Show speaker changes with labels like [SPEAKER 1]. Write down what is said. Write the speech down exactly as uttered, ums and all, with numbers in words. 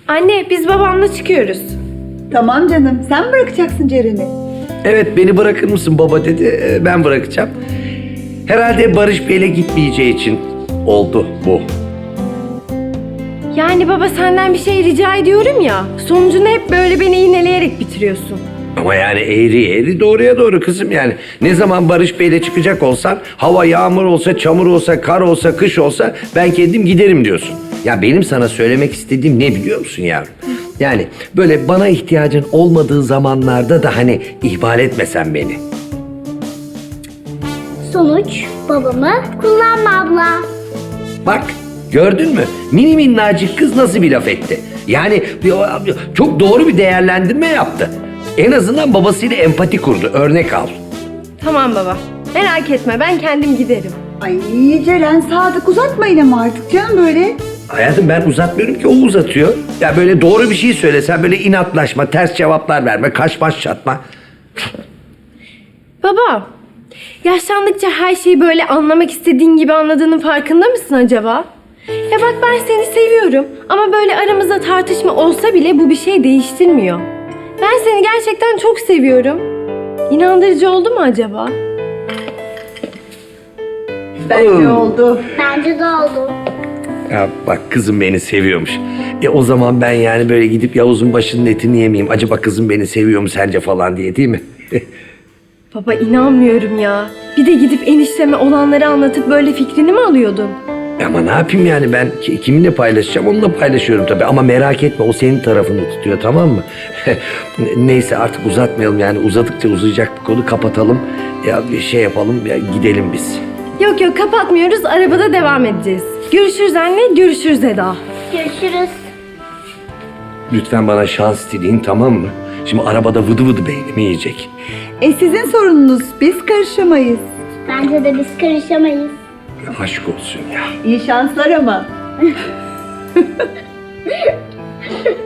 [SPEAKER 1] Anne, biz babamla çıkıyoruz.
[SPEAKER 2] Tamam canım, sen mi bırakacaksın Ceren'i?
[SPEAKER 3] Evet, beni bırakır mısın baba dedi. Ee, Ben bırakacağım. Herhalde Barış Bey'le gitmeyeceği için oldu bu.
[SPEAKER 1] Yani baba senden bir şey rica ediyorum ya. Sonucunu hep böyle beni iğneleyerek bitiriyorsun.
[SPEAKER 3] Ama yani eğri eğri doğruya doğru kızım yani. Ne zaman Barış Bey'le çıkacak olsan, hava yağmur olsa, çamur olsa, kar olsa, kış olsa ben kendim giderim diyorsun. Ya benim sana söylemek istediğim ne biliyor musun yavrum? Yani böyle bana ihtiyacın olmadığı zamanlarda da hani ihmal etmesen beni.
[SPEAKER 4] Sonuç babamı kullanma abla.
[SPEAKER 3] Bak gördün mü? Mini minnacık kız nasıl bir laf etti? Yani bir- çok doğru bir değerlendirme yaptı. En azından babasıyla empati kurdu. Örnek al.
[SPEAKER 1] Tamam baba. Merak etme, ben kendim giderim.
[SPEAKER 2] Ay Ceren, Sadık uzatmayın ama artık canım böyle.
[SPEAKER 3] Hayatım ben uzatmıyorum ki o uzatıyor. Ya böyle doğru bir şey söylesen böyle inatlaşma, ters cevaplar verme, kaş baş çatma.
[SPEAKER 1] Baba, yaşlandıkça her şeyi böyle anlamak istediğin gibi anladığının farkında mısın acaba? Ya bak, ben seni seviyorum ama böyle aramızda tartışma olsa bile bu bir şey değiştirmiyor. Ben seni gerçekten çok seviyorum. İnandırıcı oldu mu acaba?
[SPEAKER 2] Bence
[SPEAKER 3] Oo.
[SPEAKER 2] oldu.
[SPEAKER 4] Bence de oldu.
[SPEAKER 3] Ya bak kızım beni seviyormuş. E o zaman ben yani böyle gidip Yavuz'un başının etini yemeyeyim. Acaba kızım beni seviyor mu sence falan diye, değil mi?
[SPEAKER 1] Baba inanmıyorum ya. Bir de gidip enişteme olanları anlatıp böyle fikrini mi alıyordun?
[SPEAKER 3] Ama ne yapayım yani ben ki- kiminle paylaşacağım onunla paylaşıyorum tabii. Ama merak etme o senin tarafını tutuyor, tamam mı? Neyse artık uzatmayalım yani, uzadıkça uzayacak bir konu, kapatalım. Ya bir şey yapalım ya, gidelim biz.
[SPEAKER 1] Yok yok, kapatmıyoruz, arabada devam edeceğiz. Görüşürüz anne, görüşürüz Eda.
[SPEAKER 4] Görüşürüz.
[SPEAKER 3] Lütfen bana şans dileyin, tamam mı? Şimdi arabada vıdı vıdı beynimi yiyecek.
[SPEAKER 2] E sizin sorununuz, biz karışamayız.
[SPEAKER 4] Bence de biz karışamayız.
[SPEAKER 3] Aşk olsun ya.
[SPEAKER 2] İyi şanslar ama.